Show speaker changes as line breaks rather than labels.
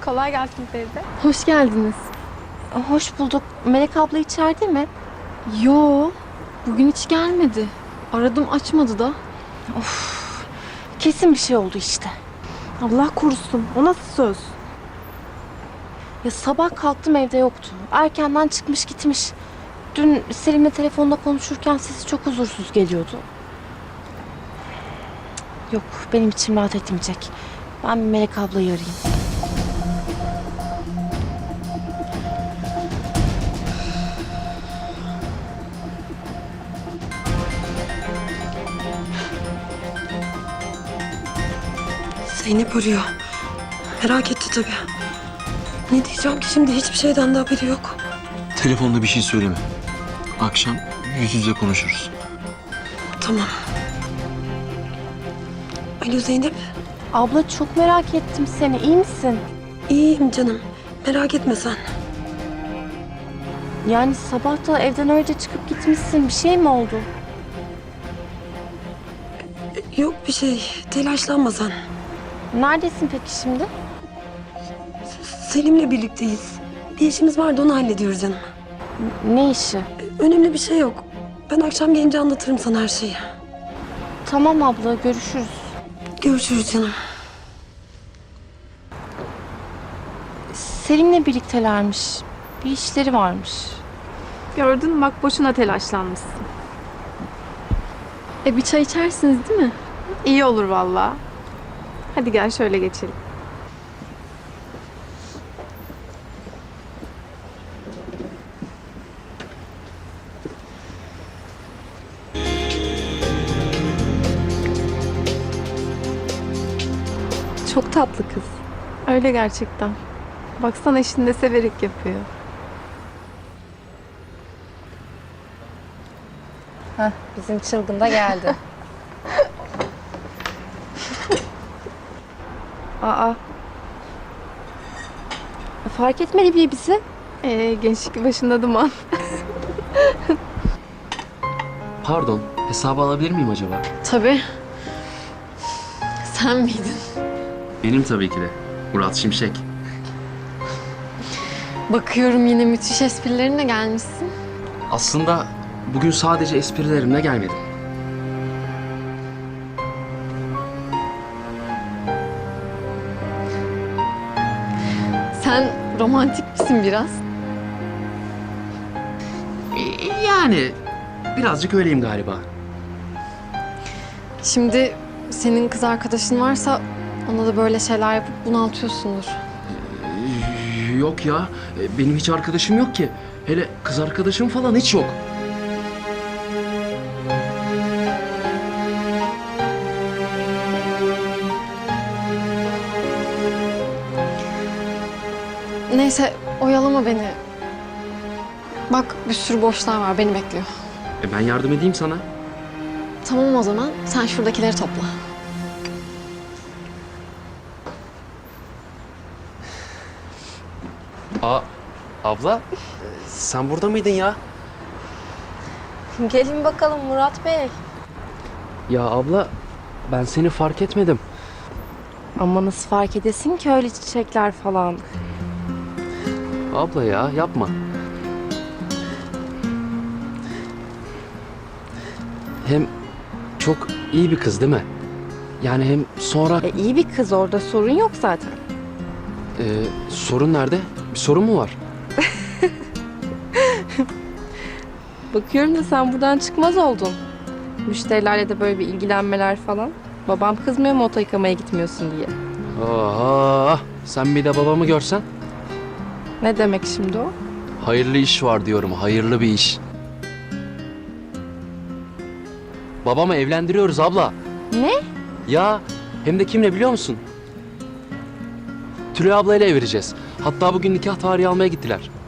Kolay gelsin teyze.
Hoş geldiniz.
Hoş bulduk. Melek abla içeride mi?
Yo, bugün hiç gelmedi. Aradım açmadı da.
Kesin bir şey oldu işte.
Allah korusun. O nasıl söz?
Ya sabah kalktım evde yoktu. Erkenden çıkmış gitmiş. Dün Selim'le telefonda konuşurken sesi çok huzursuz geliyordu. Yok, benim içim rahat etmeyecek. Ben bir Melek ablayı arayayım.
Zeynep arıyor. Merak etti tabii. Ne diyeceğim ki şimdi, hiçbir şeyden de haberi yok.
Telefonda bir şey söyleme. Akşam yüz yüze konuşuruz.
Tamam. Alo Zeynep.
Abla çok merak ettim seni. İyi misin?
İyiyim canım. Merak etme sen.
Yani sabah da evden öyle çıkıp gitmişsin. Bir şey mi oldu?
Yok bir şey. Telaşlanma sen.
Neredesin peki şimdi?
Selim'le birlikteyiz. Bir işimiz vardı, onu hallediyoruz canım.
Ne işi?
Önemli bir şey yok. Ben akşam gelince anlatırım sana her şeyi.
Tamam abla, görüşürüz.
Görüşürüz canım.
Selim'le birliktelermiş. Bir işleri varmış.
Gördün mü bak, boşuna telaşlanmışsın.
Bir çay içersiniz değil mi?
İyi olur vallahi. Hadi gel şöyle geçelim. Çok tatlı kız. Öyle gerçekten. Baksana, eşini de severek yapıyor.
Bizim çılgın da geldi. Aa. Fark etmedi bile bizi.
Gençlik başında duman.
Pardon, hesabı alabilir miyim acaba?
Tabii. Sen miydin?
Benim tabii ki de. Murat Şimşek.
Bakıyorum yine müthiş esprilerine gelmişsin.
Aslında bugün sadece esprilerimle gelmedim.
Sen romantik misin biraz?
Yani birazcık öyleyim galiba.
Şimdi senin kız arkadaşın varsa ona da böyle şeyler yapıp bunaltıyorsundur.
Yok ya, benim hiç arkadaşım yok ki. Hele kız arkadaşım falan hiç yok.
Neyse, oyalama beni. Bak, bir sürü boşlar var, beni bekliyor.
Ben yardım edeyim sana.
Tamam o zaman, sen şuradakileri topla.
Abla, sen burada mıydın ya?
Gelin bakalım Murat Bey.
Ya abla, ben seni fark etmedim.
Ama nasıl fark edesin ki öyle çiçekler falan.
Abla ya, yapma. Hem çok iyi bir kız değil mi? Yani hem sonra...
İyi bir kız, orada sorun yok zaten.
Sorun nerede? Bir sorun mu var?
Bakıyorum da sen buradan çıkmaz oldun. Müşterilerle de böyle bir ilgilenmeler falan. Babam kızmıyor mu oto yıkamaya gitmiyorsun diye.
Oha! Sen bir de babamı görsen.
Ne demek şimdi o?
Hayırlı iş var diyorum, hayırlı bir iş. Babamı evlendiriyoruz abla.
Ne?
Ya hem de kimle biliyor musun? Tülay ablayla evleneceğiz. Hatta bugün nikah tarihi almaya gittiler.